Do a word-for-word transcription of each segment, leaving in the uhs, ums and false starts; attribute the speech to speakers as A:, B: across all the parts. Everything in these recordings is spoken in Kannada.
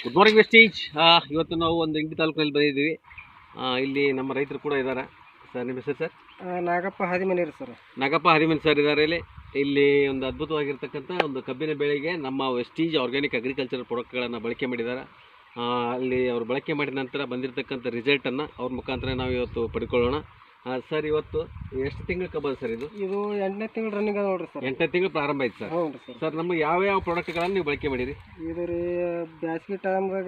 A: Good morning Vestige. ಇವತ್ತು ನಾವು ಒಂದು ಇಂಡಿ ತಾಲೂಕಿನಲ್ಲಿ ಬಂದಿದ್ದೀವಿ. ಆ, ಇಲ್ಲಿ ನಮ್ಮ ರೈತರು ಕೂಡ ಇದ್ದಾರೆ. ಸರ್ ನಿಮ್ಮ ಹೆಸರು sir?
B: Nagappa Hadimani sir.
A: Nagappa Hadimani sir ಇದ್ದಾರೆ. ಇಲ್ಲಿ ಇಲ್ಲಿ ಒಂದು ಅದ್ಭುತವಾಗಿರ್ತಕ್ಕಂಥ ಒಂದು ಕಬ್ಬಿನ ಬೆಳೆಗೆ ನಮ್ಮ ವೆಸ್ಟೀಜ್ ಆರ್ಗ್ಯಾನಿಕ್ ಅಗ್ರಿಕಲ್ಚರ್ ಪ್ರಾಡಕ್ಟ್ಗಳನ್ನು ಬಳಕೆ ಮಾಡಿದ್ದಾರೆ. ಆ, ಅಲ್ಲಿ ಅವರು ಬಳಕೆ ಮಾಡಿದ ನಂತರ ಬಂದಿರತಕ್ಕಂಥ ರಿಸಲ್ಟನ್ನು ಅವ್ರ ಮುಖಾಂತರ ನಾವು ಇವತ್ತು ಪಡ್ಕೊಳ್ಳೋಣ. ಸರ್, ಇವತ್ತು ಎಷ್ಟು ತಿಂಗಳ ಕಬ್ಬ ಸರ್ ಇದು?
B: ಇದು ಎಂಟನೇ ತಿಂಗಳು ರನ್ನಿಂಗ್ ಅದ ನೋಡ್ರಿ ಸರ್.
A: ಎಂಟನೇ ತಿಂಗಳು ಪ್ರಾರಂಭ ಆಯ್ತು ಸರ್.
B: ಹೌದು ಸರ್.
A: ಸರ್, ನಮ್ಮ ಯಾವ ಯಾವ ಪ್ರಾಡಕ್ಟ್ಗಳನ್ನು ನೀವು ಬಳಕೆ ಮಾಡಿರಿ? ಇದು ರೀ
B: ಬ್ಯಾಸ್ಗಿ ಟೈಮ್ದಾಗ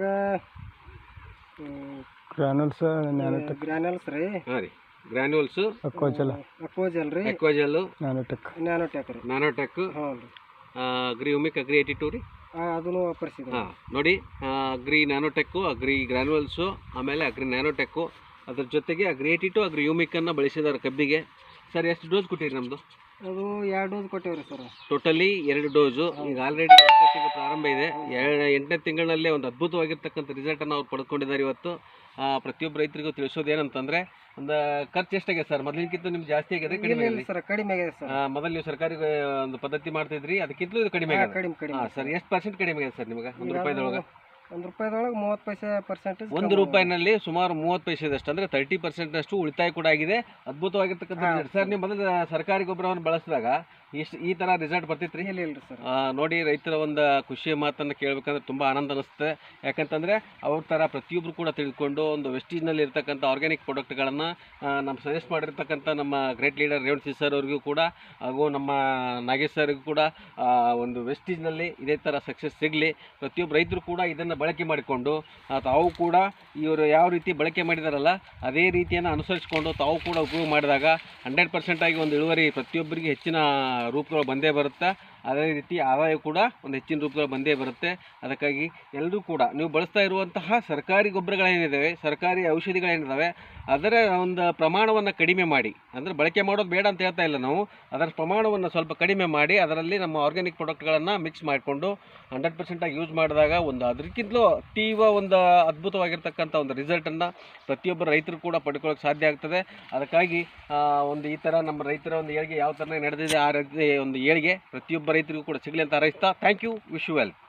B: ಗ್ರಾನುಲ್ಸ್ ಗ್ರಾನುಲ್ಸ್ ರೀ.
A: ಹಾಂ ರೀ, ಗ್ರಾನ್ಯೂಲ್ಸು,
B: ಅಕ್ವಾಜಲ್ ಅಕ್ವಾಜಲ್ ರೀ,
A: ಅಕ್ವಾಜಲ್ಲು,
B: ನ್ಯಾನೋಟೆಕ್ ನ್ಯಾನೋಟೆಕ್ ರೀ,
A: ನ್ಯಾನೋಟೆಕ್,
B: ಹ್ಞೂ ರೀ,
A: agri humic agri eighty two ರೀ.
B: ಅದನ್ನು ವಾಪರಿಸಿದೆ.
A: ಹಾಂ ನೋಡಿ, ಅಗ್ರಿ ನ್ಯಾನೋಟೆಕ್ಕು, ಅಗ್ರಿ ಗ್ರಾನ್ಯೂಲ್ಸು, ಆಮೇಲೆ ಅಗ್ರಿ ನ್ಯಾನೋಟೆಕ್ಕು, ಅದ್ರ ಜೊತೆಗೆ ಅಗ್ರಿ ಏಯ್ಟಿ ಟು ಅಗ್ರಿ ಯುಮಿಕ್ಕನ್ನು ಬಳಸಿದ್ದಾರೆ ಕಬ್ಬಿಗೆ. ಸರ್, ಎಷ್ಟು ಡೋಸ್ ಕೊಟ್ಟಿರಿ ನಮ್ಮದು?
B: ಅದು ಎರಡು ಡೋಸ್ ಕೊಟ್ಟೇವ್ರಿ ಸರ್.
A: ಟೋಟಲಿ ಎರಡು ಡೋಸು. ಈಗ ಆಲ್ರೆಡಿ ಎಂಟನೇ ತಿಂಗಳು ಪ್ರಾರಂಭ ಇದೆ. ಎರಡು ಎಂಟನೇ ತಿಂಗಳಲ್ಲೇ ಒಂದು ಅದ್ಭುತವಾಗಿರ್ತಕ್ಕಂಥ ರಿಸಲ್ಟನ್ನು ಅವ್ರು ಪಡ್ಕೊಂಡಿದ್ದಾರೆ. ಇವತ್ತು ಪ್ರತಿಯೊಬ್ಬ ರೈತರಿಗೂ ತಿಳಿಸೋದು ಏನಂತಂದರೆ, ಒಂದು ಖರ್ಚು ಎಷ್ಟಾಗಿದೆ ಸರ್? ಮೊದಲಿಗಿಂತ ನಿಮ್ಗೆ ಜಾಸ್ತಿ ಆಗಿದೆ ಕಡಿಮೆ ಆಗಿದೆ
B: ಸರ್? ಕಡಿಮೆ ಆಗಿದೆ ಸರ್.
A: ಮೊದಲು ನೀವು ಸರ್ಕಾರಿ ಒಂದು ಪದ್ಧತಿ ಮಾಡ್ತಿದ್ರಿ, ಅದಕ್ಕಿಂತಲೂ ಇದು ಕಡಿಮೆ ಆಗಿದೆ.
B: ಕಡಿಮೆ ಕಡಿಮೆ.
A: ಹಾಂ ಸರ್, ಎಷ್ಟು ಪರ್ಸೆಂಟ್ ಕಡಿಮೆ ಆಗಿದೆ ಸರ್ ನಿಮಗೆ ಒಂದು ರೂಪಾಯಿದೊಳಗೆ?
B: ಒಂದು ರೂಪಾಯಿದೊಳಗೆ ಮೂವತ್ತು ಪೈಸೆ ಪರ್ಸೆಂಟೇಜ್.
A: ಒಂದು ರೂಪಾಯಿನಲ್ಲಿ ಸುಮಾರು ಮೂವತ್ತು ಪೈಸೆದಷ್ಟು, ಅಂದರೆ ತರ್ಟಿ ಪರ್ಸೆಂಟ್ನಷ್ಟು ಉಳಿತಾಯ ಕೂಡ ಆಗಿದೆ. ಅದ್ಭುತವಾಗಿರ್ತಕ್ಕಂಥ ರಿಸಲ್ಟ್ ಸರ್. ನೀವು ಮೊದಲು ಸರ್ಕಾರಿ ಗೊಬ್ಬರವನ್ನು ಬಳಸಿದಾಗ ಇಷ್ಟು ಈ ಥರ ರಿಸಲ್ಟ್ ಬರ್ತಿತ್ತು ರೀ?
B: ಇಲ್ಲ ಇಲ್ಲ ಸರ್.
A: ನೋಡಿ, ರೈತರ ಒಂದು ಖುಷಿಯ ಮಾತನ್ನು ಕೇಳಬೇಕಂದ್ರೆ ತುಂಬ ಆನಂದ ಅನಿಸುತ್ತೆ. ಯಾಕಂತಂದರೆ ಅವ್ರ ಥರ ಪ್ರತಿಯೊಬ್ಬರು ಕೂಡ ತಿಳ್ಕೊಂಡು ಒಂದು ವೆಸ್ಟೀಜ್ನಲ್ಲಿ ಇರ್ತಕ್ಕಂಥ ಆರ್ಗ್ಯಾನಿಕ್ ಪ್ರಾಡಕ್ಟ್ಗಳನ್ನು ನಮ್ಮ ಸಜೆಸ್ಟ್ ಮಾಡಿರ್ತಕ್ಕಂಥ ನಮ್ಮ ಗ್ರೇಟ್ ಲೀಡರ್ ರೇವಣ್ ಸಿ ಸರ್ ಅವ್ರಿಗೂ ಕೂಡ, ಹಾಗೂ ನಮ್ಮ ನಾಗೇಶ್ ಸರ್ಗೂ ಕೂಡ ಒಂದು ವೆಸ್ಟೀಜ್ನಲ್ಲಿ ಇದೇ ಥರ ಸಕ್ಸಸ್ ಸಿಗಲಿ. ಪ್ರತಿಯೊಬ್ಬರು ರೈತರು ಕೂಡ ಇದನ್ನು ಬಳಕೆ ಮಾಡಿಕೊಂಡು ತಾವು ಕೂಡ ಇವರು ಯಾವ ರೀತಿ ಬಳಕೆ ಮಾಡಿದಾರಲ್ಲ ಅದೇ ರೀತಿಯನ್ನು ಅನುಸರಿಸಿಕೊಂಡು ತಾವು ಕೂಡ ಉಪಯೋಗ ಮಾಡಿದಾಗ ಹಂಡ್ರೆಡ್ ಪರ್ಸೆಂಟಾಗಿ ಒಂದು ಇಳುವರಿ ಪ್ರತಿಯೊಬ್ಬರಿಗೆ ಹೆಚ್ಚಿನ ರೂಪಗಳು ಬಂದೇ ಬರುತ್ತೆ. ಅದೇ ರೀತಿ ಆದಾಯ ಕೂಡ ಒಂದು ಹೆಚ್ಚಿನ ರೂಪದಲ್ಲಿ ಬಂದೇ ಬರುತ್ತೆ. ಅದಕ್ಕಾಗಿ ಎಲ್ಲರೂ ಕೂಡ ನೀವು ಬಳಸ್ತಾ ಇರುವಂತಹ ಸರ್ಕಾರಿ ಗೊಬ್ಬರಗಳೇನಿದ್ದಾವೆ, ಸರ್ಕಾರಿ ಔಷಧಿಗಳೇನಿದ್ದಾವೆ, ಅದರ ಒಂದು ಪ್ರಮಾಣವನ್ನು ಕಡಿಮೆ ಮಾಡಿ, ಅಂದರೆ ಬಳಕೆ ಮಾಡೋದು ಬೇಡ ಅಂತ ಹೇಳ್ತಾ ಇಲ್ಲ ನಾವು, ಅದರ ಪ್ರಮಾಣವನ್ನು ಸ್ವಲ್ಪ ಕಡಿಮೆ ಮಾಡಿ ಅದರಲ್ಲಿ ನಮ್ಮ ಆರ್ಗ್ಯಾನಿಕ್ ಪ್ರಾಡಕ್ಟ್ಗಳನ್ನು ಮಿಕ್ಸ್ ಮಾಡಿಕೊಂಡು ಹಂಡ್ರೆಡ್ ಪರ್ಸೆಂಟಾಗಿ ಯೂಸ್ ಮಾಡಿದಾಗ ಒಂದು ಅದಕ್ಕಿಂತಲೂ ಅತೀವ ಒಂದು ಅದ್ಭುತವಾಗಿರ್ತಕ್ಕಂಥ ಒಂದು ರಿಸಲ್ಟನ್ನು ಪ್ರತಿಯೊಬ್ಬರು ರೈತರು ಕೂಡ ಪಡ್ಕೊಳ್ಳೋಕೆ ಸಾಧ್ಯ ಆಗ್ತದೆ. ಅದಕ್ಕಾಗಿ ಒಂದು ಈ ಥರ ನಮ್ಮ ರೈತರ ಒಂದು ಏಳಿಗೆ ಯಾವ ಥರ ನಡೆದಿದೆ ಆ ರೀತಿ ಒಂದು ಏಳಿಗೆ ಪ್ರತಿಯೊಬ್ಬ ರೈತರಿಗೂ ಕೂಡ ಸಿಗಲಿ ಅಂತ ಹಾರೈಸ್ತಾ, thank you, wish you well.